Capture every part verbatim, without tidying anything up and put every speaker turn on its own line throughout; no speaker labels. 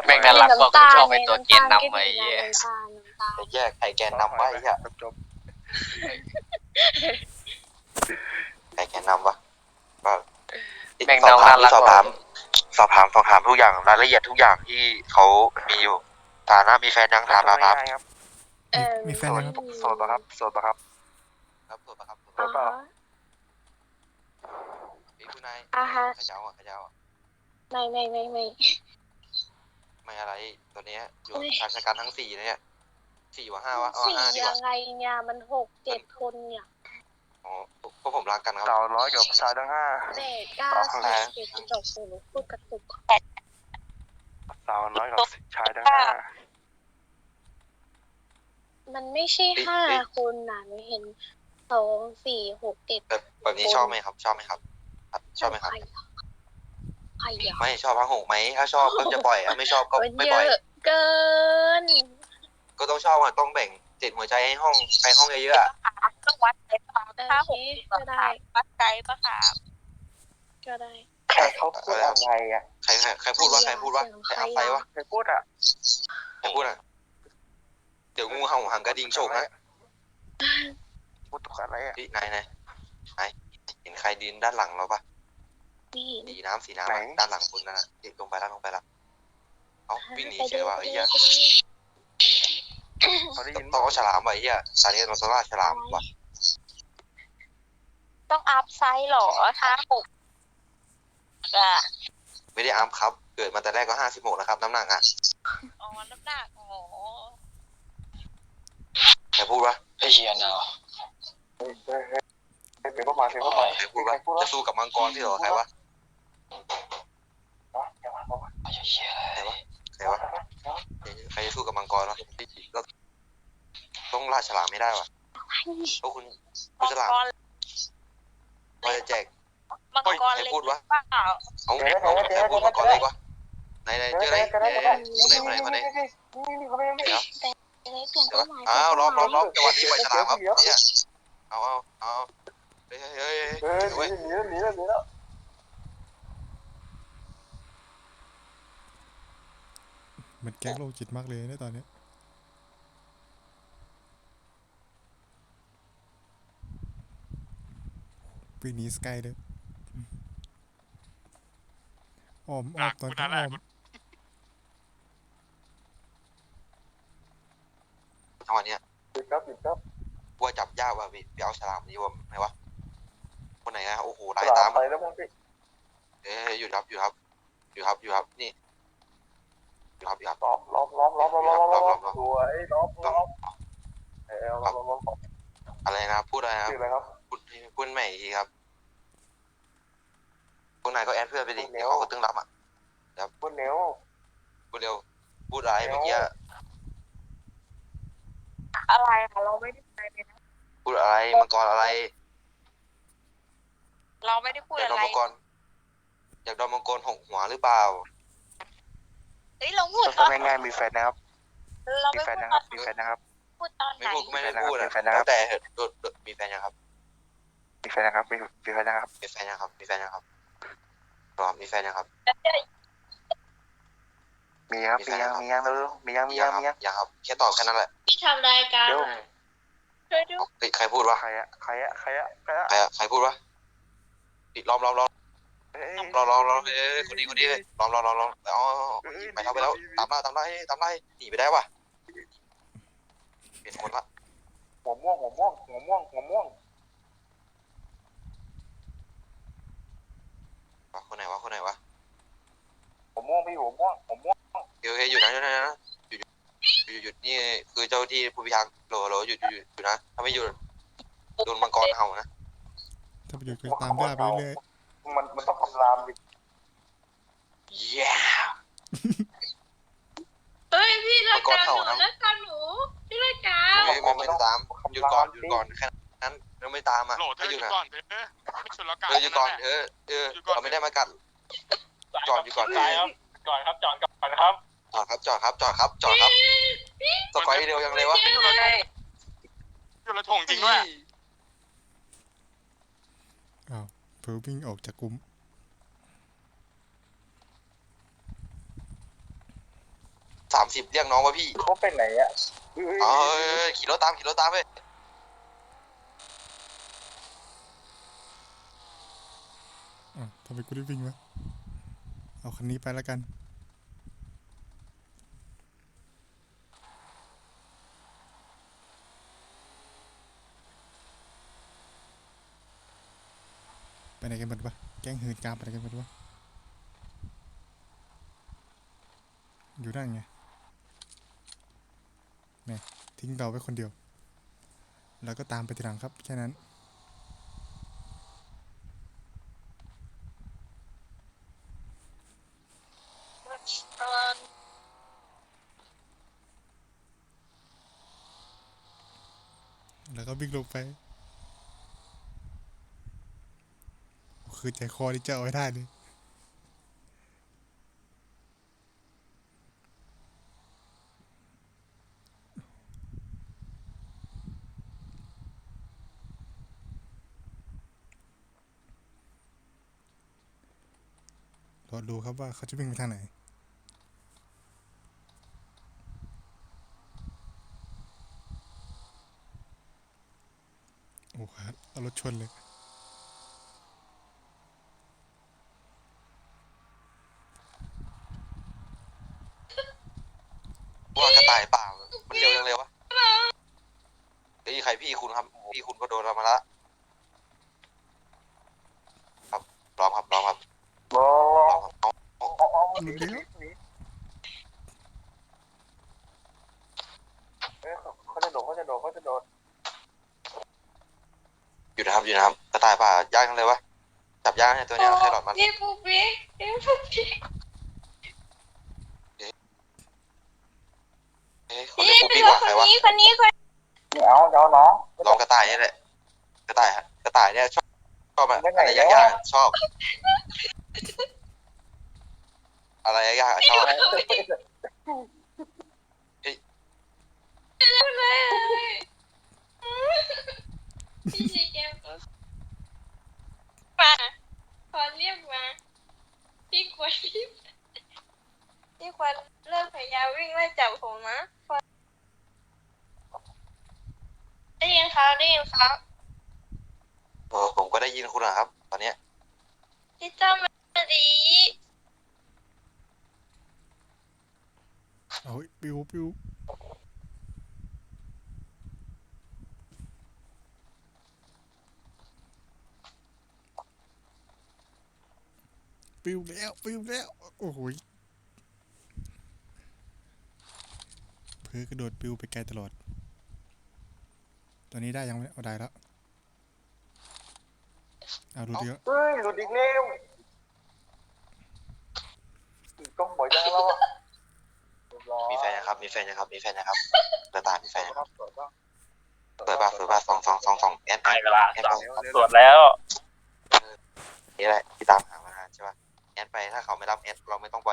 แม่งน่ารักกว่ากูชอบไอ้ตัวเกณฑ์นำไอ้เหี้ย
จะแยกไข่แกนนำไว้เหี้ยจบไข่แกนนำวะก็
แม่งน้องน่ารัก
สอบถามสอบถามสอบถามทุกอย่างรายละเอียดทุกอย่างที่เขามีอยู่ฐานะมีแฟนยังถามมาครับ
มีแฟนยังครับ
โสดปะครับโสดปะครับครับโสดปะครับโสดปะพี่ผู้นายขยาวอ่ะขยาวอ่ะ
ไม่ไม่ไม่ไม่
ไม่อะไรตัวเนี้ยอยู่ชายชะกันทั้งสี่เนี่ยสี่วะห้าวะ
สี่ยังไงเนี่ยมันหกเจ็ดคนเนี่ย
อ๋อพวกผมรักกันครับสาวร้อยกับชายทั้งห้า
เด็กเก้าสิบเจ็ดจบสูงพูดกระตุก
สาวน้อยกับชายทั้งห้า
มันไม่ใช่ห้าคนนะหนูเห็นสองสี่หกเจ็ด
แบบนี้ชอบไหมครับชอบไหมครับชอบไหมครับ
ใครอ่ะ
ไม่ชอบพังหกไหมถ้าชอบก็จะปล่อยถ้าไม่ชอบก็ไม่ปล่อย
เกิน
ก็ต้องชอบอ่ะต้องแบ่งเจ็ดหัวใจให้ห้องใครห้องเยอะ
ๆต้องวัดใจปะถ้าหก
ก็ได้
วัดใจปะค่ะ
ก็ได้
ใครเขาพูดอะไรอ่ะใครใครพูดว่าใครพูดว่าใครเอาไปวะใครพูดอ่ะใครพูดอ่ะเดี๋ยวงูเห่าหางกระดิ่งโฉกนะพูดถูกอะไรอ่ะพี่นายนายนายเห็นใครดินด้านหลังเราปะสีน้ำสีน้ำด้านหลังคุณนั่นน่ะลงไปแล้วลงไปแล้วเอาวิ่งหนีเฉยว่าไอ้เหี้ยต้องเอาฉลามไว้เหี้ยตอนนี้เราต้องล่าฉลามว่ะ
ต้องอัพไซส์หรอถ้าหกอ่ะ
ไม่ได้อัพครับเกิดมาแต่แรกก็ห้าสิบหกนะครับน้ำหนักอ่ะ
อ๋อน้ำหนักอ๋อ
ใครพูดวะ
ไอ้เหี้ยเนาะ
เป็นพวกมาเป็นพวกมาใครพูดวะจะสู้กับมังกรที่หรอใครวะใครวะใครวะใครจะสู้กับมังกรวะเราต้องล่าฉลามไม่ได้วะโอ้คุณคุณฉลามมาจะแจก
มังกรเล็กเปล่า
เอาเอาใครพูดมังกรเล็กวะไหนไหนเจอไหนไหนไหนไหนไหนเดี๋ยวอ้าวล้อมล้อมล้อมจังหวะนี้ปล่อยฉลามครับเนี่ยเอาเอาเอาเฮ้ยเฮ้ยเฮ้ยเฮ้ยหนีแล้วหนีแล้วหนีแล้ว
มันแก๊งโลจิตมากเลยในตอนนี้ปีนี้สกายเลยอ้อมอ้อมตอนนี้อ้อม
จังหวะนี้ปิดครับปิดครับว่าจับยากว่ะพี่ไปเอาฉลามนี้ว่าไหนวะคนไหนฮะโอ้โหลายตามไปแล้วมั้งพี่เอ๊ยหยุดครับหยุดครับหยุดครับหยุดครับนี่หยุดครับหยุดครับล้อมล้อมล้อมล้อมล้อมล้อมล้อมล้อมสวยล้อมล้อมเออล้อมล้อมอะไรนะพูดอะไรครับพูดพูดใหม่อีกทีครับคนไหนก็แอดเพื่อนไปดิเขาก็ตึงรับอ่ะเดี๋ยวพูดเร็วพูดเร็วพูดอะไรเมื่อกี้
อะไรคะเราไม่ได้พูดอะไรนะ
พูดอะไรมังกรอะไร
เราไม่ได้พูดอะไร
อยากโดนมังกรอยากโดนมังกรหกหัวหรือเปล่า
เฮ้ยเราพูด
ตอนง่ายๆมีแฟนนะครับ
มี
แฟนนะครับมีแฟนนะครับ
พูดตอนไหน
ไม่พูดไม่ได้พูดนะแล้วแต่เหตุมีแฟนยังครับมีแฟนนะครับมีมีแฟนนะครับมีแฟนยังครับมีแฟนยังครับรอมีแฟนยังครับมีครับมียังมียังเร็วมียังมียังมียังยังครับแค่ตอบแค่นั้นแหละ
ที่ทำรายการช่วยดู
ใครพูดวะใครอะใครอะใครอะใครอะใครอะใครพูดวะปิดล้อมล้อมล้อมล้อมล้อมล้อมเอ้ยคนนี้คนนี้ล้อมล้อมล้อมล้อมอ๋อไปแล้วไปแล้วตามล่าตามล่าตามล่าหนีไปได้วะเปลี่ยนคนละหัวม่วงหัวม่วงหัวม่วงหัวม่วงคนไหนวะคนไหนวะหัวม่วงพี่หัวม่วงหัวม่วงเดี๋ยวหยุดนะหยุดนะหยุดหยุดหยุดนี่คือเจ้าที่ผู้พิทักษ์โหลโหลหยุดหยุดหยุดนะถ้าไม่หยุดโดนมังกรเห่านะ
ถ้าไปหยุดก็ตามได้ไปเรื่อย
มันมันต้องคำรามดิเย้
เฮ้ยพี่รายการหนูรายการหนูพี่รายการ
ไม่ไม่ไม่ตามหยุดก่อนหยุดก่อนแค่นั้นเราไม่ตามอ่ะ
ไม่หยุดก่อนเถอะไม่ชนละกัน
เออหยุดก่อนเออเออเราไม่ได้มากัดจอดอยู่ก่อน
ครับจอดครับจอดก่อนครับ
จอดครับจอดครับจอดครับจอดครับสกอยเร็วยังเลยวะ
อยู่ละอยู่ละถงจริงด้วย
อ้าวเพิ่งวิ่งออกจากกลุ่ม
สามสิบเรียกน้องว่าพี่
เขาไปไหนอ่ะ
เอ้ยขี่รถตามขี่รถตามไป
อ้าวทำไมกูได้วิ่งวะเอาคันนี้ไปแล้วกัน ไปไหนกันหมดวะแก๊งหื่นกามไปไหนกันหมดวะอยู่นั่นไงเนี่ยทิ้งเราไว้คนเดียว แล้วก็ตามไปทีหลังครับแค่นั้น แล้วก็วิ่งลงไป คือใจคอที่จะเอาไว้ได้เลยรอดูครับว่าเขาจะวิ่งไปทางไหน โอ้โหเอารถชนเลย
ว่ากระต่ายเปล่ามันเร็วยังเร็ววะเฮ้ยใครพี่คุณครับพี่คุณก็โดนเรามาละครับรอมครับรอมครับ
รอ
รอมครับเอา
อ๋ออ๋อ
หลุดแล้ว
เอ้ยเขาจะโดดเขาจะโดดเขาจะโดด
อยู่นะครับอยู่นะครับกระต่ายเปล่าย่างกันเลยวะจับย่างให้ตัวเนี้ยแค่หลอดมัน
พี่ปุ๊กปิ๊กพี่ปุ๊กปิ๊ก
เฮ้ยเขาเรียกปุ๊บปิ๊กว่าใครวะ
นี้คนนี้คน
ไม่เอาเดี๋ยวน้อง
น้องกระต่ายนี่แหละกระต่ายฮะกระต่ายเนี่ยชอบชอบอะไรยากๆชอบ อะไรยากๆชอบ
เลยพี่ชีเกมมาขอเรียกมาพี่ควรพี่พี่ควรเลิกพยายามวิ่งไล่จับผมนะได้ยินครับได้ยินครับ
เออผมก็ได้ยินคุณนะครับ ตอนเนี้ย
พี่เจ้ามาดี
เอาปิวปิวปิวแล้วปิวแล้วโอ้โหเพื่อกระโดดปิวไปไกลตลอด ตอนนี้ได้ยังไม่เอาได้แล้วเอาดูดิครับ
เฮ้ยหลุดอีกแล้วต้องบ่อยจังแล้ว
มีแฟนนะครับ มีแฟนนะครับ มีแฟนนะครับกระต่ายมีแฟนนะครับ
สวยป่ะ
เปิดบ้าเปิดบ้าสองสองสองสองแอด
ได้เวลา
แอดไป
ตรวจแล้ว
นี่แหละที่ตามหามานานใช่ป่ะแอดไปถ้าเขาไม่รับแอดเราไม่ต้องปล่อย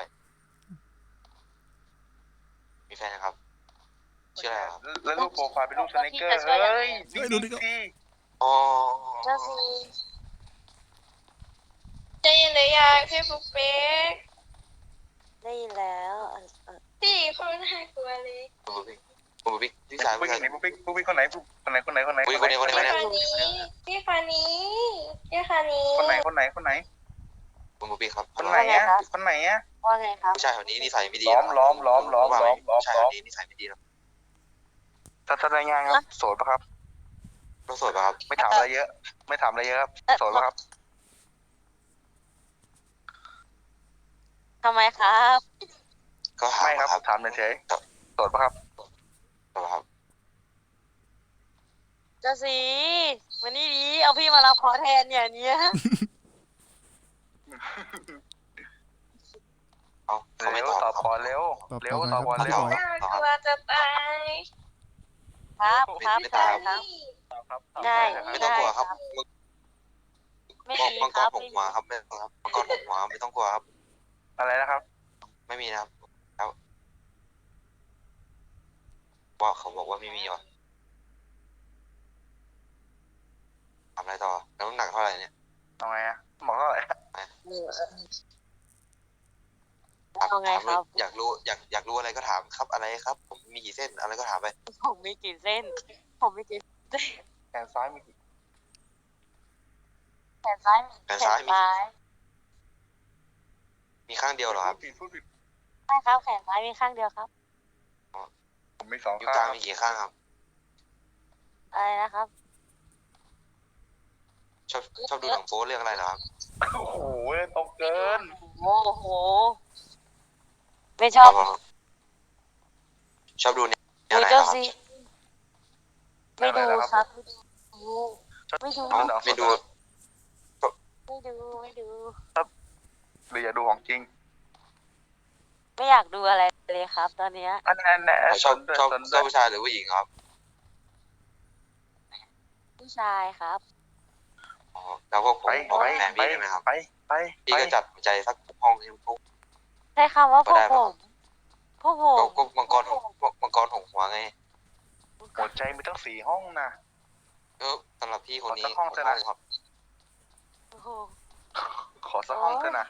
มีแฟนนะครับชื่ออะไรครับ
แล้วรูปโปรไฟล์เป็นรูปสไนเกอร์เฮ้ย
เฮ้ยดูดิครับ
อ๋อ
เจ้าสี
ได้ยินหรือยังพี่ปุ๊กปิ๊ก
ได้ยินแล้วเออเออ
พี่คนน่ากลัวเลย
คุณบุ๊บิ๊กคุณบุ๊บิ๊กพี่ชาย
ปุ๊
พี่
ก
ชาย
ไหนปุ๊กปิ๊กปุ๊กปิ๊กคนไหนปุ๊กคนไหนคนไหนคนไหน
คนนี้คนนี้คนนี้
พี่คานี้พี่คานี้พี่คานี้
คนไหนคนไหนคนไหน
คุณบุ๊บิ๊กครับ
คนไหนอ่ะคนไหนอ่ะ
ว่าไงครับ
ผู้ชายคนนี้นิสัยไม่ดี
ล้อมล้อมล้อมล้อม
ว่า
ล้อมล้อม
ผู้ชาย
ล้
ค
อม
นนี้นิสัยไม่ดีนะ
ทัศนายงานครับโสดปะครับ
ต้องสวยป่ะครับ
ไม่ถามอะไรเยอะ ไม่ถามอะไรเยอะครับโสดปะครับ
ทำไมครับ
ก็ถาม
ไม่ครับ
ครับ
ถามเฉยๆโสดปะครับ
ครับ
เจ้าสีมานี่ดีเอาพี่มารับขอแทนอย่างเนี้ย
เอาเขาไม่
เร็ว
ตอบ
ตอบก่อนเร็วเร็วตอบก่อนเร็ว
น่ากลัวจะตาย
ครับครับ
ไม่
ได้
ตาม
ครับ
ครับ
ได้
ไม่ต้องกลัวครับ
ไม่
มัง
มี
มัง
ค
ก
รั
ร
บ
หกหัวครับไม่ครับมังกรหกหัวไม่ต้องกลัวครับ
อะไรนะครับ
ไม่มีนะครับแล้วว่าเขาบอกว่าไม่มีว่ะทำอะไรต่อแล้วน้ำหนักเท่าไหร่เนี่ย
เอาไงอะบอกเท่าไหร่
นถาม
เอาไง
ถาม
ครับ
อยากรู้อยากอยากรู้อะไรก็ถามครับอะไรครับ ผมมีกี่เส้นอะไรก็ถามไป
ผมมีกี่เส้น ผมมีกี่เส้น
แขนซ้ายมีกี่
แขนซ้าย
แขนซ้ายมี
ซ้าย
มีข้างเดียวเหรอครับ
ผิดพูดผิด
ใช่ครับแขนซ้ายมีข้างเดียวครับ
ผมมีสอง
นิ้ว
ข้าง
กลาง
ครับ
มีกี่ข้างครับ
อะไรนะครับ
ชอบชอบดูหนังโป๊เรื่องอะไรเหรอครับ
โอ้โหตกเกิน
โอ้โห ไม่ชอบ
ชอบดูแนว
ดู
ไหนเหร
เจ้า
อครับ
ซีไม่ดูครับ ไม่ดู
เอ้าไม่ดู
ไม่ดู ไม่ดู
หรืออยากดูของจริง
ไม่อยากดูอะไรเลยครับ ตอนเนี้ย
อันนั้นแหละ
ชอบ
ด้วย
ชอบ
สน
ช
ด้
อ
ว
บ
ย
ผู้ชายหรือผู้หญิงครับ
ผู้ชายครับ
อ๋อแล้วพวกผม
ไป
ขอ
ไป
เป็นแฟน
ไป
พี่ได้ไหมครับ
ไปไป
พี่
ไป
ก็จัดหัวใจสักห้องให้พวก
ใช้คำว่าพ
ก็
วก
ได้
ผ
ปะ
ม พวกผ
ก็
ม
ก็มังกรหงมังกรหงหัวไง
หัวใจมีตั้งสี่ห้องนะ
เออสำหรับพี่คนนี้
ขอสักห้องเถอะนะ
ครับ
โอ้โห
ขอสักห้องเถอะนะ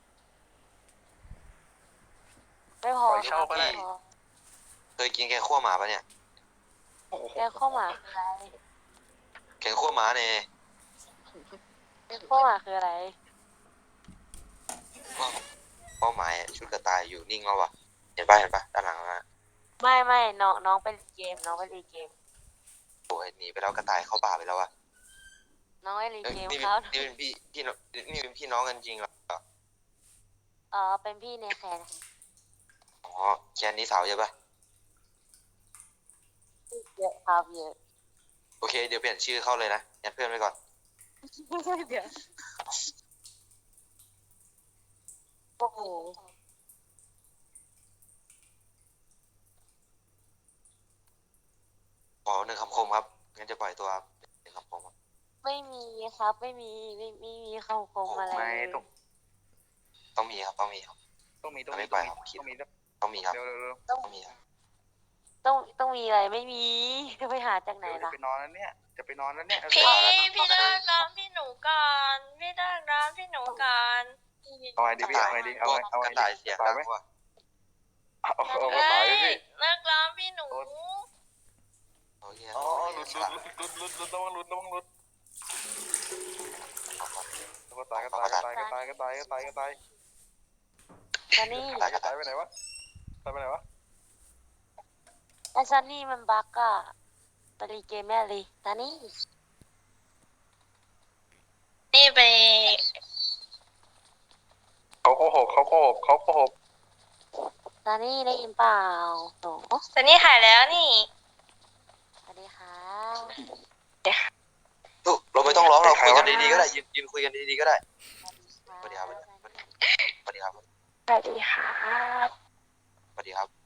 ไม่พอ
ปล่อยเช่าก็ได้
ม่พอ
เคยกินแกงคั่วหมาปะเนี่ย
โอ้โห
แกงข้าวหมาคืออะไร
แกงคั่วหมาเนี่ย
แกงข้าวหมาคืออะไร
เป้าหมายชุดกระต่ายอยู่นิ่งแล้ววะเห็นป่ะเห็นป่ะด้านหลังนะ
ไม่ไม่น้องน้องไปเล่นเกม น้องไปเล่นเกม
โอ้ยหนีไปแล้วกระต่ายเข้าป่าไปแล้ววะ
น้องไปเล่น
เอ้ย
เกม
นี่
ครับ
เป็นนี่เป็นพี่พี่น้องนี่เป็นพี่น้องกันจริงเหรอ
เออเป็นพี่ในแคน
อ๋อแคนนี้สาวใช่ป่ะ
เยอะครับเยอะ
โอเคเดี๋ยวเปลี่ยนชื่อเข้าเลยนะยัดเพื่อนไว้ก่อน
เดี๋ยวโอ้โห
ขอหนึ่งคำคมครับงั้นจะปล่อยตัวครับหนึ่งคำคมครับ
ไม่มีครับ ไม่มีไม่ไม่มีคำคมอะไร
ไม่
เลย
ต้อง
ต้องมีครับต้องมีครับ
ต้องมีต้อง
ไม่
มี
ไป
ต้อง
ครับคิด
มีต้องมี
ต้องมีครับ
เร็วเร็วเร็ว
ต้องมีครับ
ต้องต้องมีอะไรไม่มีจะไปหาจากไหน
เดี๋ยวจะ
ล่ะ
ไปนอนแล้วเนี่ยจะไปนอนแล้วเนี่ย
พี่
เอาแล้ว
พี่เลิกร้องพี่หนูก่อนพี่เลิกร้องพี่หนูก่อน
เอาไงดีพี่เอาไงดีเอาไงเอา
ก
ไง
ระ
ดี
ต่ายเสียง
ตา
ดั
ย
ง
ไหม
ว่ะ
เอาเอาเอา
เฮ้
ตาย
ย
พี่
เลิกร้องพี่หนู
โอเค
อ๋อหลุดหลุดหลุดหลุดหลุดระวังหลุดระวังหลุดก็ตายก็ตายก็ตายก็ตายก็ตายก็ตายก็ตาย
ซันนี่
ตายก็ตายไปไหนวะตายไปไหนวะ
ไอ้ซันนี่มันบักอะไปรีเกมแม่เลยซันนี่
นี่ไป
เขาโกหกเขาโกหกเขาโกหก
ซันนี่ได้ยินเปล่าโอ้
สันนี่หายแล้วนี่
สวัสดีค่ะ
ลูกเราไม่ต้องร้องเราคุยกันดีๆก็ได้ยืนยืนคุยกันดีๆก็ได้
สวัสดี
สวัสดีครับ
ค่ะ
สวัสดีครับ
สวัสดีค่ะ
สวัสดีครับ